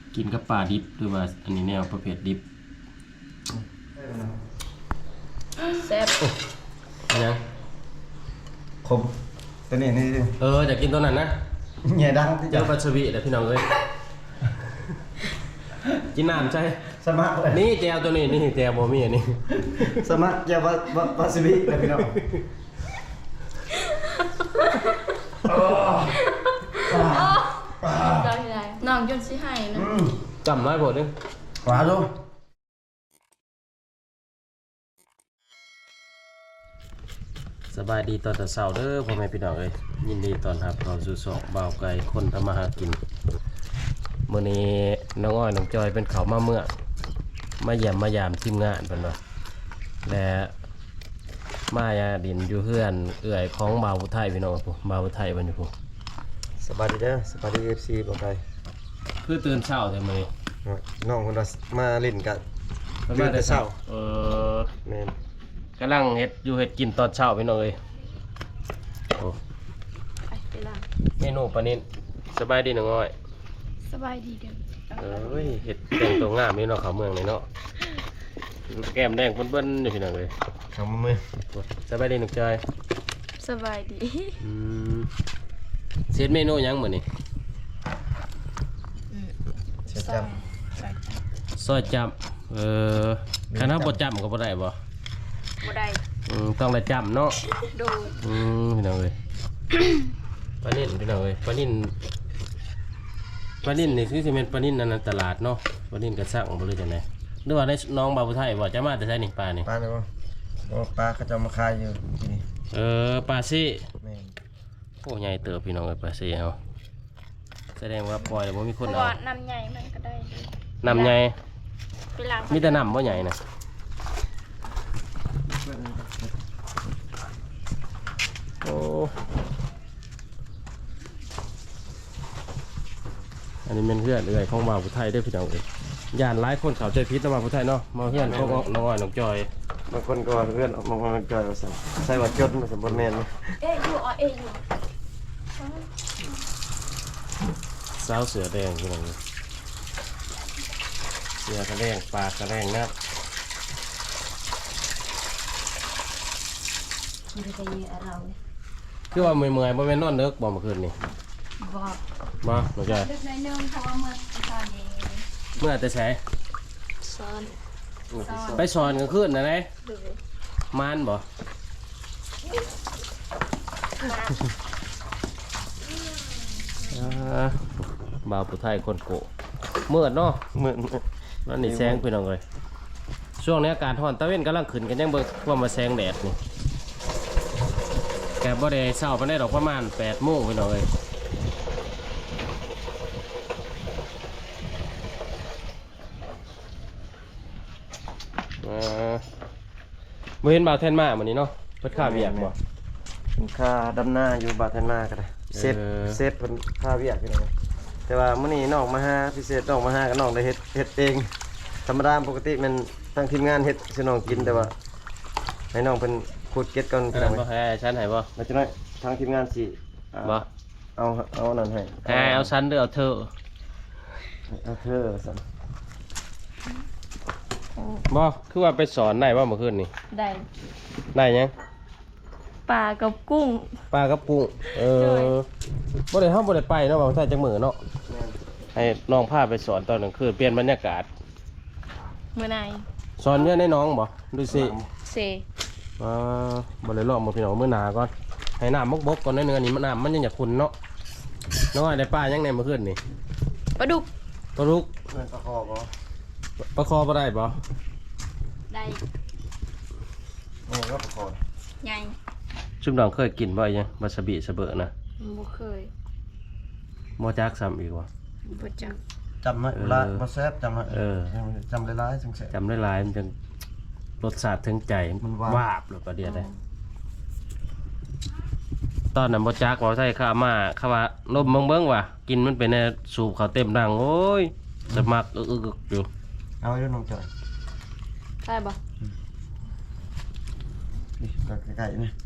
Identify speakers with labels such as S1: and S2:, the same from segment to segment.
S1: กินกับปลาดิบหรือว่าอันนี้แนวประเภทดิบ
S2: แซ่บ
S1: ยัง
S3: คมตัวนี้นี่
S1: อยากกินตัวนั้นนะ
S3: เหนี่ยดังที่
S1: เจ้าปลาชวีเดี๋ยวพี่น้องเอ้ยกินน้ำใช่
S3: สมัครเลย
S1: นี่แจวตัวนี้นี่แจวโมมี่อันนี้
S3: สมัครแกวาซิบิเลยพี่น้อง
S2: ได้น้องจนสิให้นะ
S1: จำน้อยโผล่นึง
S3: ขวาดู
S1: สบายดีตอนเช้าเด้อพ่อแม่พี่น้องเอ้ยยินดีตอนรับเราสู่สองบ่าวไก่คนทำมาหากินมื้อนี้น้องอ้อยน้องจอยเป็นเขามาเมื่อมาเยี่ยมมายามทีมงานเพิ่นว่าและมายาดินอยู่เฮือนเอื้อยของบ่าวผู้ไทยพี่น้องพุ่นบ่าวผู้ไทยเพิ่นอยู่พุ่น
S3: สบายดีเด้อสบายดี FC บอกไป
S1: คือตื่นเช้าแต่มื้อนี้
S3: น้องคนละมาเล่นกัน
S1: เพิ่นมาแต่เช้า
S3: แม่น
S1: กำลังเฮ็ดอยู่เฮ็ดกินตอนเช้าพี่น้องเอ้ยโอ้
S2: ไปล่ะ
S1: เมนูปลานิ่นสบายดีน้องอ้อย
S2: สบายดีเด้อ
S1: เฮ็ดแต่งตัวงามนี่เนาะเขาเมืองนี่เนาะแก้มแดงเบิ้นๆอยู่พี่น้องเอ้ย
S3: ทำมือ
S1: สบายดีน้องจอย
S2: สบายดี
S1: เฮ็ดเมนูหยังมื้อนี้
S3: เสียจ
S1: ซอยจับคณะบ่จับก็บ่ได้บ่
S2: ได้
S1: ต้องได้จับเนาะ
S2: โดย
S1: พี่น้องเอ้ยปลานิ่นพี่น้องเอ้ยปลานิ่นนี่คือสิเป็นปลานิ่นในตลาดเนาะปลานิ่นกระซังบ่รู้จังได๋หรือว่าได้น้องบ่าวผู้ไทยบ่จะมาแต่ไสนี่ปลานี่
S3: ปลาเนี่ยบ่ปลาเขาจะมาขายอยู่ที่นี่
S1: ปลาซี่
S3: แม่น
S1: โอ้ใหญ่เติบพี่น้องเอ้ยปลาซี่เฮาแสดงว่าปล่อยแล้วบ่มีคนเอา
S2: น้ำใหญ่มันก็ได้
S1: น้ำใหญ่
S2: ไปล้าง
S1: มีแต่น้ำบ่ใหญ่น่ะโอ้อันนี้เป็นเพื่อนเอื่อยของบ่าวผู้ไทยได้พี่น้องเอ้ยย่านหลายคนเข้าใจผิดนะบ่าวผู้ไทยเนาะมาเพื่อนของน้องอ้อยน้องจอย
S3: บางคนก็เพื่อนออกมาจอยว่าซั่นใส่ว่าจดมันสมบูรณ์แม่น
S2: อยู่
S1: สาวเสือแดงพี่น้องเสือกระแดงปลากระแดงนะคือว่าเมื่อยๆบ่แม่นนอนเด้อบ่เมื่อคืนนี่บ่น้องจอย
S2: เด็กในนึงเพราะว่าเมื่อตอนนี้
S1: เมื่อแต่ไส
S2: ซ้อน
S1: ไปสอนกลางคืนนะไหนมานบ่บ่าวผู้ไทยคนโกเมื่อเนาะ
S3: เมื่อ
S1: นั่นนี่แสงพี่น้องเลยช่วงนี้อากาศร้อนตะเว้นกำลังขึ้นกันยังเบิกว่ามาแสงแดดนี่แกบ่ได้เช้าไปได้ดอกประมาณ8 โมงพี่น้องเลยเห็นบ่าวแทนมาวันนี้เนาะเพิ่นค่าเวียกบ่
S3: ค่าดำหน้าอยู่บาทนมาก็ได้เซฟเพิ่นค่าเวียกพี่น้องแต่ว่ามื้อนี้น้องมาหาพิเศษน้องมาหากับน้องได้เฮ็ดเองธรรมดาปกติมันทั้งทีมงานเฮ็ดสิน้องกินแต่ว่าให้น้องเพิ่นขุดเก็ดก่อนพี่น้อง
S1: บ่ให้ฉันให้บ่
S3: แล้วจังได๋ทางทีมงานสิ
S1: บ่
S3: เอานั่นให้
S1: เอาฉันหรือเอาเธอ
S3: สั่น
S1: บ่คือว่าไปสอนได้บ่เมื่อคืนนี่ได้ยัง
S2: ปลากับกุ้ง
S1: บ่ได้เฮาบ่ได้ไปเนาะบ่าวไทยจังมื้อเนาะให้น้องพาไปสอนตอนกลางคืนเปลี่ยนบรรยากาศ
S2: มื้อไหน
S1: สอนเยอะในน้องบ่ดูสิบ่ได้รอบบ่พี่น้องมื้อหน้าก่อนให้น้ำบกๆก่อนนึงอันนี้น้ำมันยังอยากขุ่นเนาะน้อยได้ปลายังในเมื่อคืนนี่
S2: ปลาดุก
S3: ปลาคอบ่
S1: ปลาคอบ่ได้บ่
S2: ได้
S3: ก็ปลาคอ
S2: ใหญ่
S1: ชุบน้องเคยกินบ่ยังวาซาบิสะเบะนะ
S2: บ่เคย
S1: บ่จักซ้ำอีกว่ะ
S2: บ่จัก
S3: จำไม่ละบ่แซ่บจำจำหลายๆจังแซ่บ
S1: จำหลายๆมันจังรสชาติถึงใจมันวาบแล้วก็เดียวได้ตอนนั้นบ่จักบ่ใช่ข้ามาข้าว่าลมเบิ่งว่ะกินมันเป็นสูบเขาเต็มดังโอ้ยสมักอึกๆอยู่
S3: เอาอยู่น้องจอย
S2: ได้บ่
S3: นี่ก็ใกล้ๆนี่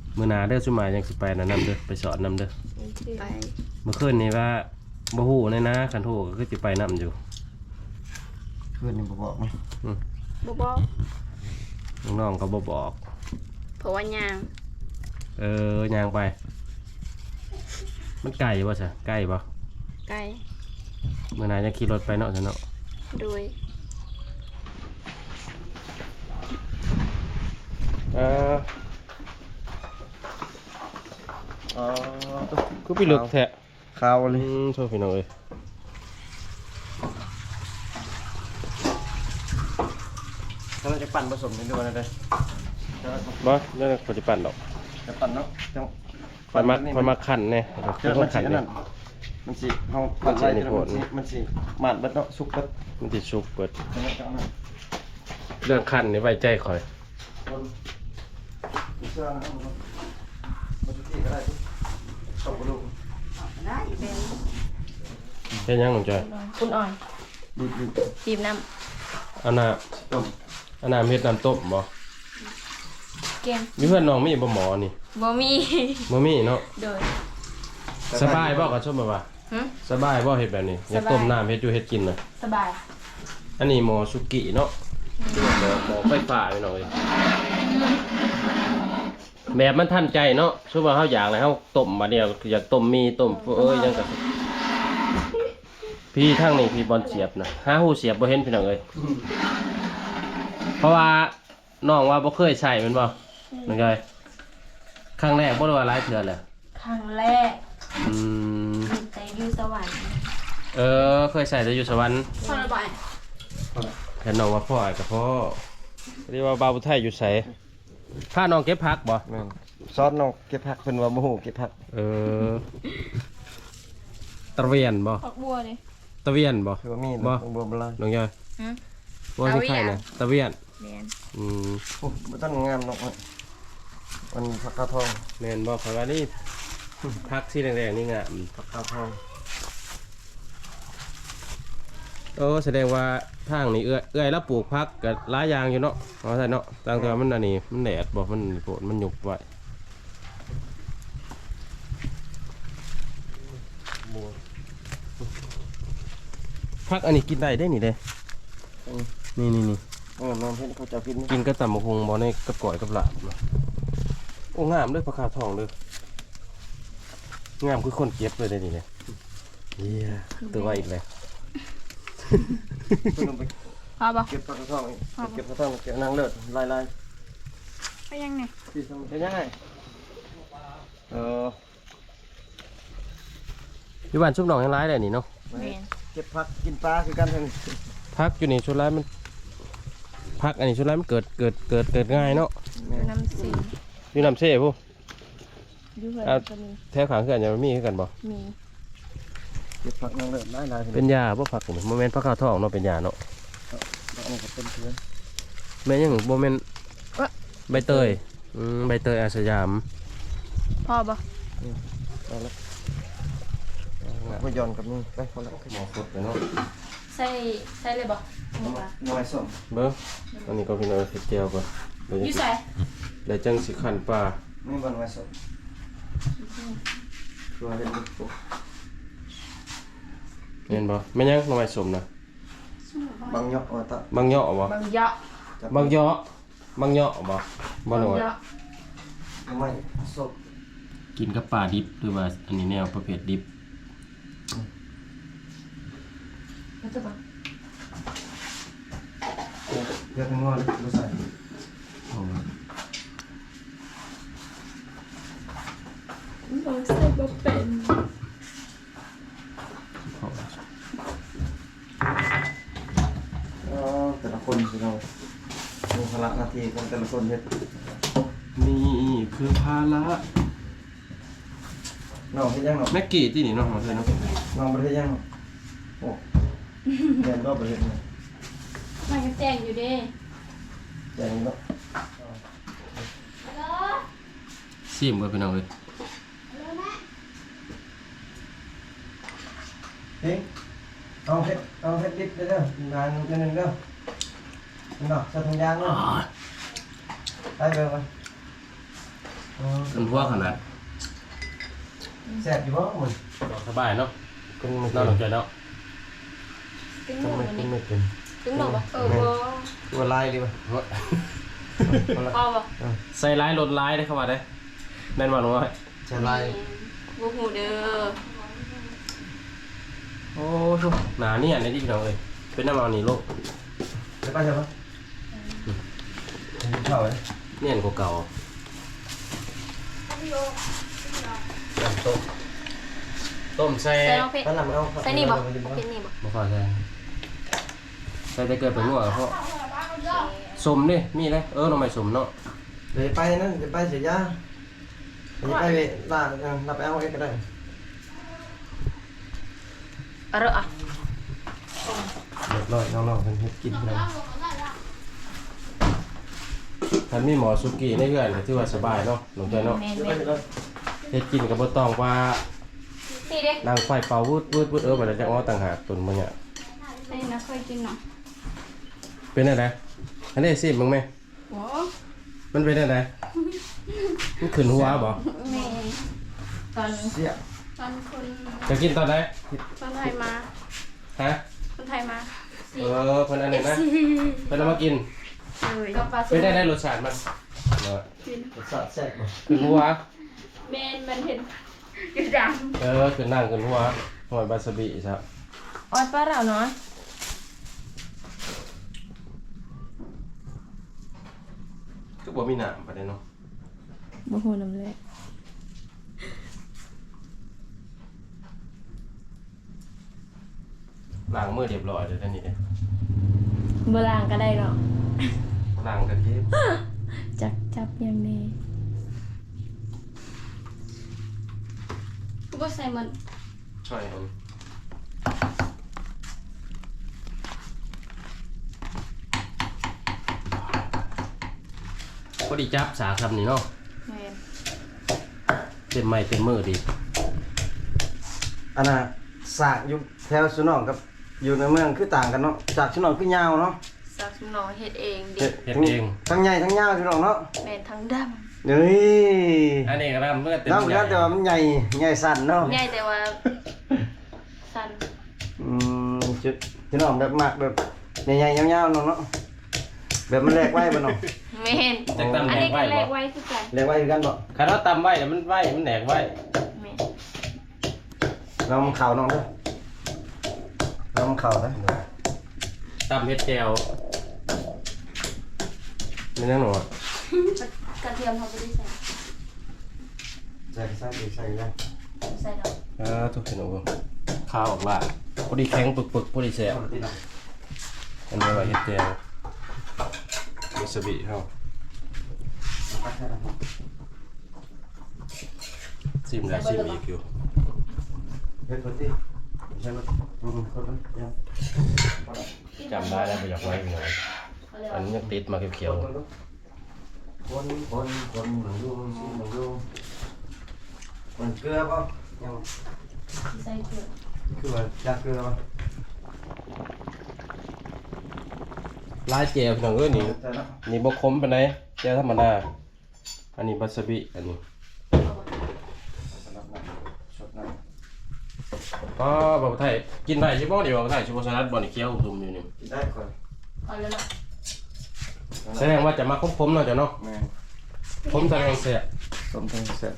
S1: มื้อหน้าเด้อสุมายยังสิไปนะนำเด้อไปสอนนำเด้อ
S2: ไป
S1: เมื่อคืนนี้ว่าบ่ฮู้เลยนะคันโทรก็คือสิไปนำอยู่
S3: เพื่อนนี่บอกมั้ย
S2: บ่บอก
S1: น้องๆก็บ่บอก
S2: เพราะว่ายาง
S1: ย่างไป มันไกลบ่ซะใกล้บ่
S2: ไกล
S1: มื้อหน้าจะขี่รถไปเนาะซะเนาะ
S2: โดย
S3: อ๋อ
S1: คือไปลึกแท้
S3: ข่าวเลย
S1: โทษพี่น้องเอ้ย
S3: ถ้าเราจะปั่นผสมกันด้วยนะเด้อ
S1: บ่นั่นน่ะปัจจุบันดอก
S3: จะปั่นเนาะจัง
S1: มันมาคั่นแน่
S3: เจอมันสิอันนั้นมันสิเฮาปั่นไว้แล้วมันสิหมาดเบิดเนาะสุกเบิด
S1: มันสิสุกเบิด
S3: จังนั้นจังนั้น
S1: เรื่องคั่นนี่ไว้ใจข่อย
S3: คนเสื้อนะครับมันจะที่ก็ได้ตกกระดูก
S1: เฮ็ดหยังน้องจอย
S2: คุณอ่อน
S3: ดีดี
S2: บีบน้
S1: อันน่ะ
S3: ต้ม
S1: อันน่ะเฮ็ดน้ำต้มบ่
S2: ำเกม
S1: มีเพื่อนน้องมีบ่หมอนี่
S2: บ่มี
S1: บ่มีเนาะ
S2: โดย
S1: สบายบ่ก็ชมบ่ว่า
S2: หึ
S1: สบายบ่เฮ็ดแบบนี้อยากต้มน้ำเฮ็ดอยู่เฮ็ดกินน่ะ
S2: สบาย
S1: อันนี้หมอสุกิเนาะหมอไฟฟ้าพี่น้องเอ้ยแบบมันทันใจเนาะสมมุติว่าเฮาอยากแล้วเฮาต้มมาเดียวอยากต้มมีต้มยังก็พี่ทางนี้พี่บอลเสียบนะหาหูเสียบบ่เห็นพี่น้องเอ้ยเพราะว่าน้องว่าบ่เคยใช้แม่นบ่น้องจอยครั้งแรกบ่ได้ว่าหลายเทื่อแหละ
S2: ครั้งแรก
S1: อืม
S2: มีแต่อยู่สวรรค์
S1: เคยใส่แต่อยู่สวรรค์
S2: พอระบาย
S1: แค่น้องว่าพ่อกับพ่อเรียกว่าบาวผู้ไทยอยู่ไสพาน้องเก็บผักบ่
S3: แม่นซอสน้องเก็บผักเพิ่นว่าบ่ฮู้เก็บผัก
S1: ตะเวียนบ่
S2: ผักบัวดิ
S1: ตะเวียนบ่
S3: คือว่ามี
S1: บ่
S3: บ่บ่ลาย
S1: น้องยอย
S2: หึ
S1: ว่าสิใครน่ะตะเวียน
S2: เรียน
S1: อืม
S3: โอ้บ่ต้องงามเนาะมันผักกาดทอง
S1: แม่นบ่เพราะว่านี่ผักสีแดงๆนี่งาม
S3: ผักกาดทอง
S1: แสดงว่าทางนี้เอื้อยแล้วปลูกผักก็หลายอย่างอยู่เนาะเอาใส่เนาะต่างแต่ว่ามันอันนี้มันแดดบ่มันโผล่มันหยุบไว้
S3: บัว
S1: ผักอันนี้กินได้ได้นี่เด้นี่
S3: น้องเพิ่นเขาจะกิน
S1: กินก็ตำบักหุ่งบ่ในกับก่อยกับลาบเนาะโอ้งามเด้อผักกาดทองเด้องามคือคนเก็บเลยได้นี่เด้เฮียตัวว่าอีกเลย
S3: เพิ่นเอาไป
S2: พอบ่
S3: เก็บผักกาดทองอีกเก็บผักกาดทองเก็บนางเลิศลาย
S2: ไปยังไง
S3: ๆที่ทำเป็นยังไงเออ
S1: อยู่บ้านชุบหนองยังร้ายเลยนี่เนาะ
S2: เรียน
S3: เก็บผักกินปลาคือกันเพิ่น
S1: พักอยู่นี่ชุดร้ายมันพักอันนี้ชุดร้ายมันเกิดง่ายเนาะ
S2: อยู่น้ำสี
S1: อยู่น้ำเช่ผู้
S2: อยู่เพื่อน
S1: เอา
S2: ก็มี
S1: แถวขางเขื่อนยังมีคือกันบ่
S2: มี
S3: เก็บผักนางเลิศหลายๆ
S1: เป็นยาบ่พักนี่โมเมนต์พักข้าวทองเนาะเป็นยาเนาะ
S3: อันนี้ก็เป็นเพื่อน
S1: แม่นยังโมเมนต์ใบเตยใบเตยอาสยาม
S2: พอบ่
S3: เอาละก็ย้อนกับนี่ไปพอละ
S1: หมอสดเลยเนาะ
S2: ใส่เลยบ่
S3: น้อยส้ม
S1: เบิ้งอันนี้ก็เป็นเอาเห็ดเจียวก่อนเดี๋ยว
S2: อยู่ใส่
S1: เดี๋ยวจังสิขันปลา
S3: นี่บางน้อยส้มตัวเห็นดิ
S1: เห็นบ่แม่นยังหน่อไม้สมนะ
S3: บางยอกตะ
S1: บางเหยาะบ่
S2: บางเยาะ
S1: บางเหยาะบางเหยาะบ่บ่หน่อย
S2: เยาะ
S3: ไม่ส้ม
S1: กินกับปลาดิบหรือว่าอันนี้แนวประเภทดิบ
S2: แล้วจะบ่
S3: เลือกงอนมาใส่
S2: บ่ใส่บ่เป็น
S3: แต่ละคนสิเรามีภาระหน้าที่ของแต่ละคนเฮ็ด
S1: นี่คือภาระ
S3: น้องเฮ็ดยังน้อง
S1: แม็กกี้ที่นี่เนาะมาเถอะเนาะ
S3: น้องบ่ได้เฮ็ดยังน้องโอ้เรียนก็บ่เฮ็ดนะ
S2: มันก็แจ้งอยู่เด้
S3: แจงเนาะ
S1: ซิมเบิ่งพี่น้องเอ้ย
S3: เฮ้ยเอาเฮ็ดดิบเด้องานนึงเด้อนี่เนาะใส่ถุงยางเนาะไปเบิ่งมา
S1: ขึ้นหัวขนาด
S3: แซ่บอยู่บ่มัน
S1: สบายเนาะ
S3: กินไม่
S1: นอนหลับใจเนาะ
S2: ตึ้งห
S3: ทำ
S2: นู
S3: ไม
S2: วัน
S3: กิน
S2: นี้
S3: ไม่เป็น
S2: ตึ้งหนูปะ
S3: ตัวลายดีป่ะ
S2: พอปะ
S1: ใส่ร้ายลดร้ายได้เข้ามาได้แม่นว่าหนูว่า
S3: ใช่ลาย
S2: บูหูเด้อ
S1: โอ้ชุบหนาเนี่ยในที่พี่น้องเลยเป็นน้ำมันนี่ลูก
S3: ใช่ป่ะใช่ป่ะเข้าเลย
S1: เนี่ยนกว่าเก่าต้มใส่
S2: ใส่น้องเพชร
S3: ตั้งหลังเอา
S2: ใส่นี่บ่เพชรนี่บ่
S1: มาฝากใส่ใส่แต่เกิดเป็นนัวกับพ่อสมนี่มีเลยน้องไม่สมเนาะ
S3: เดี๋ยวไปนั่นเดี๋ยวไปเสียยาเดี๋ยวไปลาเราไปเอาเองก็ได้
S2: อร่อยอ่ะ
S3: เรียบร้อยน้องๆเพิ่นเฮ็ดกินแล้ว
S1: ท่านมีหมอสุกี้ในเรือนก็ถือว่าสบายเนาะหนุ่มใจเนาะ
S2: แม่
S3: เดี๋ยวไป
S2: น
S3: เดี๋ยว
S1: เฮ็ดกินกับบ่ต้องว่า
S2: ๆนี่เด้
S1: นางไฟเป่าวืดมันจะเอาต่างหากตุนมันเนี่ย
S2: นี่นะเคยกินเนาะ
S1: เป็นอะไรอันนี้สิมึงไหม
S2: โอ้
S1: มันเป็นอะไรมันขึ้นหัวบ่
S2: แม่ตอน
S3: เสีย
S2: ตอนคน
S1: จะกินตอนไหน
S2: คนไทยมา
S1: ฮะ
S2: คนไทยมา
S1: เพิ่นอันนี้นะเพิ่นเอามากิน
S2: เลยกับปลา
S1: เป็นได้รสชาติมันเนาะ
S3: รสชาติแซ่บบ่
S1: ขึ้นหัว
S2: แม่นมันเห็นอยู่ด
S1: ขึ้นนั่งขึ้นหัวหอยบาสบิครับ
S2: ำออดปลาเราเนาะ
S1: คือบ่มีน้ำปานใดเนาะ
S2: บ่ฮู้นำเลย
S1: ล้างมือเรียบร้อยเลยท่านนี่เด้
S2: บ่ล้างก็ได้เนาะ
S1: ล้างกะทิ
S2: จับอย่างนี้กูบ่ใส่มัน
S1: ช่วยมันพอดีจับสาคำนี่เนาะ
S2: แม่น
S1: เต็มไม้เต็มมือดี
S3: อันน่ะสากอยู่แถวสุนองกับอยู่ในเมืองคือต่างกันเนาะจากสุนองคือยาวเนาะ
S2: สักหน่อเฮ็ดเองดิ
S1: เฮ็ดเอง
S3: ทั้งใหญ่ทั้งยาวสุนองเนาะ
S2: แม่นทั้งดำ
S3: นี่
S1: อันนี้ก็ทำเมื่อเต็ม
S3: น้ำเหมือนกันแต่ว่ามันใหญ่สั่นเนาะ
S2: ใหญ่แต่ว่าสั้น
S3: สุนองแบบมากแบบใหญ่ๆยาวๆเนาะเนาะแบบมันแลกไว้บ่เนาะ
S2: แม่น
S1: จากตำ
S2: อัน
S1: แหน่
S2: นี้
S1: ง
S2: ก็
S1: ไว้
S2: แล
S1: บ่
S2: กไว้คือกัน
S3: แลกไว้คือกันบ่
S1: คันเราตำไว้เดี๋ยวมันไว้มันแหนกไว้
S2: แม่น
S3: เรามันเข่าน้องเด้อเรามันเข่าเด้อ
S1: ตำเฮ็ดแจวนี่นั่นหนูอะ
S2: กระเทียมเขาบ่ได้ใส่
S3: ใส่ได้
S2: ใส่ดอก
S1: ทุกคนหนูข้าวออกละพอดีแข็งปึกๆพอดีแซ่บ
S3: เอาติดเนาะ
S1: อันนี้ว่าเฮ็ดแจววาซาบิเฮา
S3: ปัดให้เรา
S1: ซิมแล้วซิมอีกอยู่
S3: เฮ็ดคนที่ใช่บ่คนนั้นยัง
S1: จำได้แล้วบ่อยากไว้อีกหน่อยอันนี้ยังติดมาเขียว
S3: คนเหมือนดูเหมือนดูมันเกลือป่ะยัง
S2: ใส่เกลือ
S3: คือว่าจากเกลือป่ะ
S1: ๆลายแจวพี่น้องเอ้ยนี่
S3: ใช่แล้ว
S1: นี่บ่คมปานใดแจวธรรมดาอันนี้วาซาบิอันนี้
S3: สำหรับน้ำสดน้
S1: อ๋อบ่าวไทยกินได้ใช่บ่นี่บ่าวไทยสิบ่สลัดบ่นี่เคี้ยวตุ่มอยู่นี่
S3: ำกินได้ก่อน
S2: เอาแล้วเนาะ
S1: แสดงว่าจะมาคมๆเนาะจ้ะเนาะ
S3: แม่
S1: ผมแสดงแซ่บ
S3: ต้มทั้งเสร็จ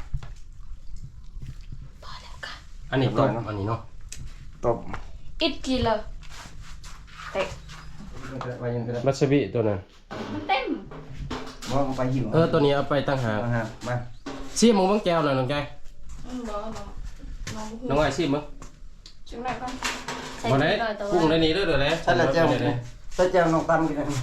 S2: พอแล้วค่ะ
S1: อันนี้ต้มอันนี้เนาะ
S3: ต้ม
S2: อิดกินเลยเตะ
S3: ไว้ยังก็ได้
S1: วาซาบิตัวนั้น
S2: มันเต็ม
S3: มองไปหิว
S1: ตัวนี้เอาไปตั้งหาก
S3: มามา
S1: ชิมมึงบังแก้วหน่อยน้องใจ
S2: บ่น้อง
S1: น้องอ้ายชิมมึง
S2: จังได๋ก่อนใส่
S1: บ่ได้
S2: หน่อยแต่ว่า
S1: กุ้งได้นี่เด้อเด้อเด้
S3: ใช่แล้วเจ้าใช่เจ้าน้องตำกินได้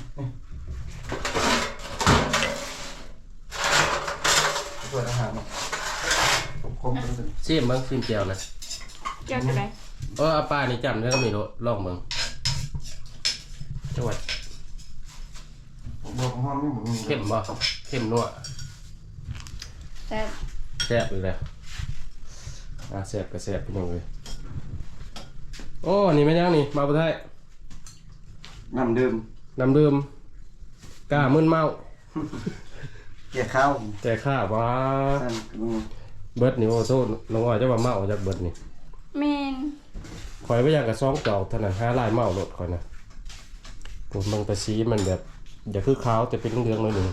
S3: สวยอาหารคมๆเลย
S1: ชิมมึงชิมแก้วนะ
S2: เกี่ยวจังได๋
S1: เอาปลานี่จำได้ก็มีลองมึงจังหวัด
S3: บวกหอมนี่หมู
S1: เข้มบ่เข้มนัว
S2: แต่
S1: แซ่บอีกแล้วแซ่บก็แซ่บพี่น้องเลยโอ้นี่แม่นยังนี่มาบ่ไทย
S3: น้ำดื่ม
S1: น้ำดื่มกล้ามึนเมา
S3: เกี่ยข้าว
S1: แต่ข้าว่า
S3: นั่นมึง
S1: เบิดนี่โอ้โซน้องอ้อยจะว่าเมาจากเบิดนี่
S2: แมน
S1: ข่อยบ่อยากกระซ่องเจ้าเท่านั้นหาลายเมารถข่อยนะผมบางตะซีมันแบบอย่าคือขาวแต่เป็นเหลืองๆหน่อยหนึง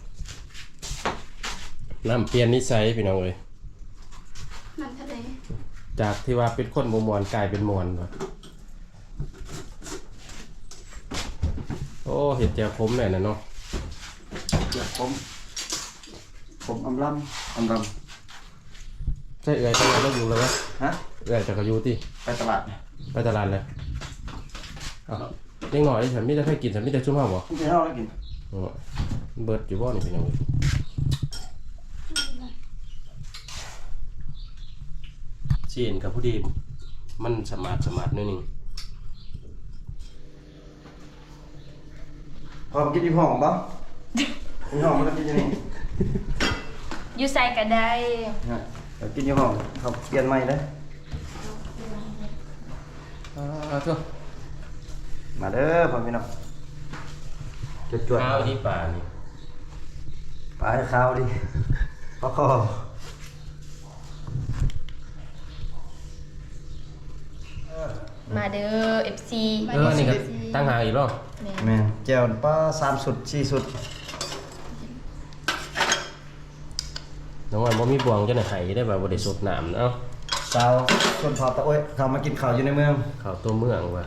S1: น้ำเปลี่ยนนิสัยพี่น้องเอ้ย
S2: มันทะเล
S1: จากที่ว่าเป็นคนบ่มวนกลายเป็นมวนว่ะโอ้เห็ดแจ่วขมแน่น่ะเนาะ
S3: เดี๋ยวผมอำลำ
S1: ใช่เอื้อยจังหวัดเราอยู่แล้ววะ
S3: ฮะ
S1: เอื้อยจากกอยู่ที่
S3: ไปตลาด
S1: ไปตลาดเลยอ้าวเล็กหน่อยฉันมีแต่ให้กินฉันมีแต่ชุ่มห้าวบ่
S3: คุณไปเท่าแล้วกิน
S1: อ๋อเบิดอยู่บ่นี่เป็นยังไงเสียนกับผู้ดีมันสมาร์ทนิดนึง
S3: พอมากินที่ห้องบ่ที่ห้องมันก็กินอย่างนี้
S2: อยู่ใส่ก็ได้
S3: ฮะเดี๋ยวกินที่ห้องเขาเปลี่ยนใหม่เด้อ
S1: ทุก
S3: มาเด้อพ่อพี่น้องจวด
S1: ข้าวที่ป่านี่
S3: ๆไปข้าวดิพอคอ
S2: มาเด้อ FC
S1: นี่ก็ตั้งหางอีกแล้ว
S3: แม่นแจ่วปลา3สุด4สุด
S1: น้องว่าบ่มีบวงจะไหนไห้ได้แบบบ่ได้สดน้ำเอ้า
S3: สาวชนเผ่าตะโอ้ยเขามากินข้าวอยู่ในเมือง
S1: ข้าวตัวเมืองว่ะ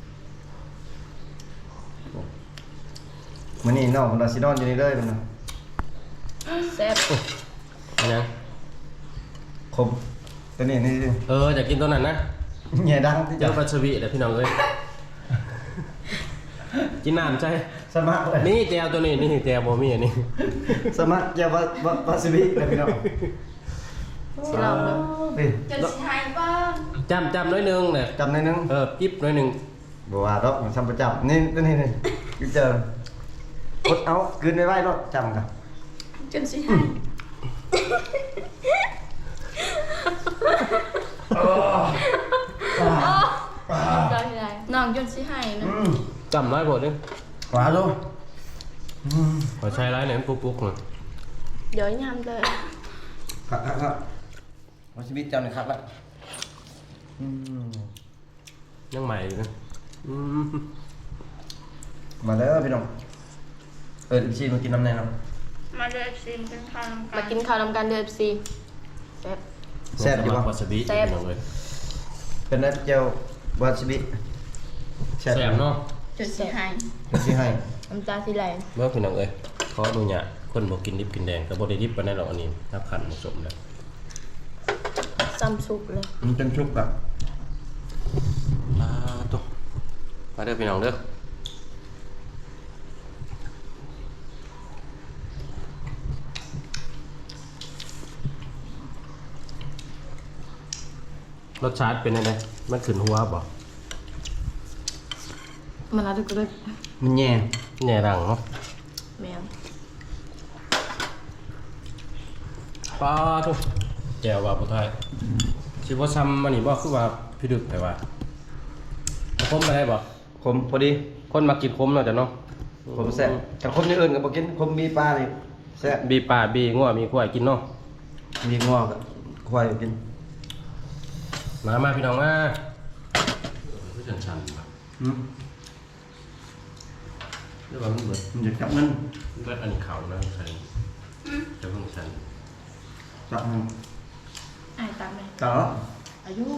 S3: มื้อนี้น้องคนละสินอนอยู่นี่เลยมันน่ะ
S2: แซ่บ
S1: อันยัง
S3: คมตัวนี้นี่
S1: อยากกินตัวนั้นนะ
S3: แง่ดังที่
S1: เจ้า
S3: จะ
S1: ปัสวีเด้อพี่น้องเอ้ยกินน้ำใช่
S3: สมัครเลย
S1: นี่แจวตัวนี้นี่แจวบ่มีอันนี้
S3: สมัครแจ่ววาซาบิเลยพี่น้อง
S2: สิลองดู
S3: นี่
S2: จนสิหายบ้าง
S1: จำน้อยหนึงเนี่ย
S3: จำได้นึง
S1: จิ๊บน้อยหนึง
S3: บ่ว่าดอกมันซ้ำประจำนี่กูเจออดเอากลืนไว้ๆรถจำกัน
S2: จนสิหายน้องจนสิหายนะ
S1: จำน้อยโพดนึง
S3: ขวาดู
S1: ขอใช้ร้ายหน่อยมันปุ๊กๆหน่อย
S2: เดี๋ยวยำเลย
S3: ครับวาซาบิเจ้าหนึ่งครับละ
S1: ยังใหม่อยู่นะอืม
S3: มาแล้วพี่น้องชีมากินน้ำแน่นอน
S2: มาเด้อ FC เป็นข้าวมากินข้าวนำกันเด้อ FC แซ่บ
S3: แซ่บอยู่
S1: วา
S3: ปะ
S1: ซาบิ
S2: แซ่บ
S1: พี่น้องเอ้ย
S3: เป็นนักเจียววาซาบิ
S1: แซ่บเนาะ
S2: จนสิหาย
S3: ที่ให้
S2: น้ำตาสิไหล
S1: เมื่อพี่น้องเอ้ยขอดูเนี่ยคนบ่กินดิบกินแดงก็บ่ได้ดิบปานนั้นหรอกอันนี้ถ้าขันผสมแล้ว
S2: ซ้ำซุปเลย
S3: มันเป็นชุบแบบ
S1: ตุ๊มาเด้อพี่น้องเด้อรสชาติเป็นยังไงมันขึ้นหัวบ่
S2: มันอะไรก็ได้
S3: มันแย่
S1: แหน่ดังเนาะ
S2: แมว
S1: ปลาทุกแจวว่าผู้ไทยสิบ่ซ้ำอันนี้บ่คือว่าพี่ดึกไปว่าคมไปได้บ่
S3: ขมพอดี
S1: คนมากินคมเนาะจ้ะเนาะ
S3: ขมแซ่บแต่ขมอย่างอื่นก็บ่กินขมมีปลาเลยแซ่บ
S1: บีปลาบีงัวมีควายกินเนาะ
S3: มีงอกควายกิน
S1: มาพี่น้องมาคือชันๆบ่
S3: อืม
S1: หรือว่ามันเบิด
S3: มันจะจับเงิน
S1: เบิดอันเขานะใช่จะเพิ่งชัน
S3: จับเงิน
S2: อายตามเลย
S3: ต่อ
S2: อายุ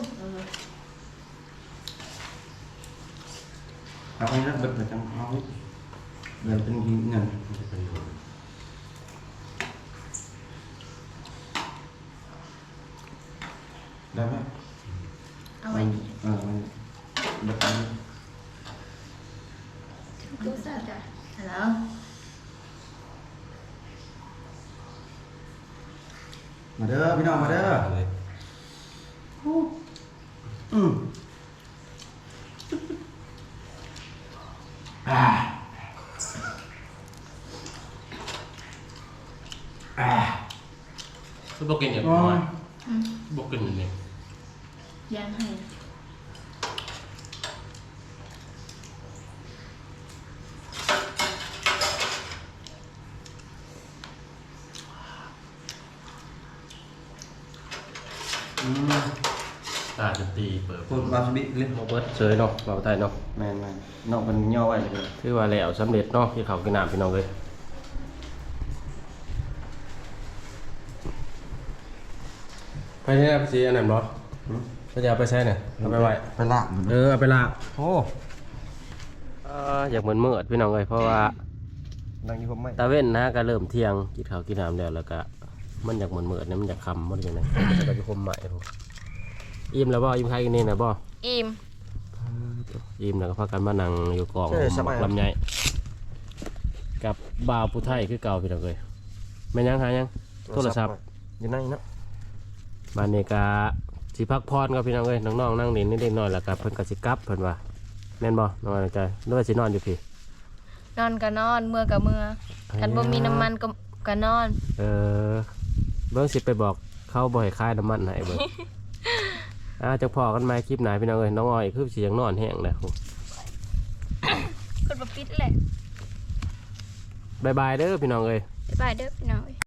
S3: เอาไปนะเบิดจังเอาเดี๋ยวเป็นเงิน
S1: มันจะเป็นอยู่
S3: ได้ไหม
S2: เอาไว้
S3: มันเบิดไป
S2: ดูซะจ้ะฮัลโหล
S3: มาเด้อพี่น้องมาเด้อ
S1: เลย
S3: อืมอ่าอ่า
S1: คือบ่กินอย่างน้อยบ่กินอย่างนี้
S2: ย่างให้
S1: ตาจะตีเปิด
S3: พูดวาซาบิเลย
S1: โมเบิร์ตเฉยเนาะเราไทยเนาะ
S3: แมนนอกมันย่อไว้เลย
S1: ถือว่าแล้วสำเร็จเนาะที่เขากินน้ำพี่น้องเลยไปที่ไหนไปซีอันนั้นบ่ก็จะเอาไปใช้เนี่ยเอาไปไว้
S3: ไปลาก
S1: เอาไปลาก
S3: โอ้
S1: อยากเหมือนเมื่อพี่น้องเลยเพราะว่า
S3: นั่งอยู่ผมไม่
S1: ตาเว้นนะก็เริ่มเที่ยงกินข้าวกินน้ำแล้วก็มันอยากเหมือนเนี่ยมันอยากคำมันอย่างไรมันก็จะคมใหม่ผมอิ่มแล้วบ่อิ่มใครกันนี่นะบ่
S2: อิ่ม
S1: อิ่มแล้วก็พากันมานั่งอยู่กองหมักลำไยกับบ่าวผู้ไทยคือเก่าพี่น้องเลยแม่นยังหายังโทรศัพท์
S3: อยู่ในเนาะ
S1: บ้านนี้ก็สิพักพรกับพี่น้องเลยน้องๆนั่งเล่นนิดๆหน่อยแล้วก็เพิ่นก็สิกลับเพิ่นว่าแม่นบ่น้องใจนึกว่าสินอนอยู่พี่
S2: นอนก็นอนเมื่อก็เมื่อกันบ่มีน้ำมันก็นอน
S1: เบิ่งสิไปบอกเขาบ่ให้คายน้ำมันให้เบิ่ง จังพอกันใหม่คลิปหน้าพี่น้องเอ้ยน้องอ้อยคือสิยังนอนแห้งแล้ว
S2: คนบ่ปิดแหละ
S1: บ๊ายบายเด้อพี่น้องเอ้ย
S2: บ๊ายบายเด้อพี่น้อง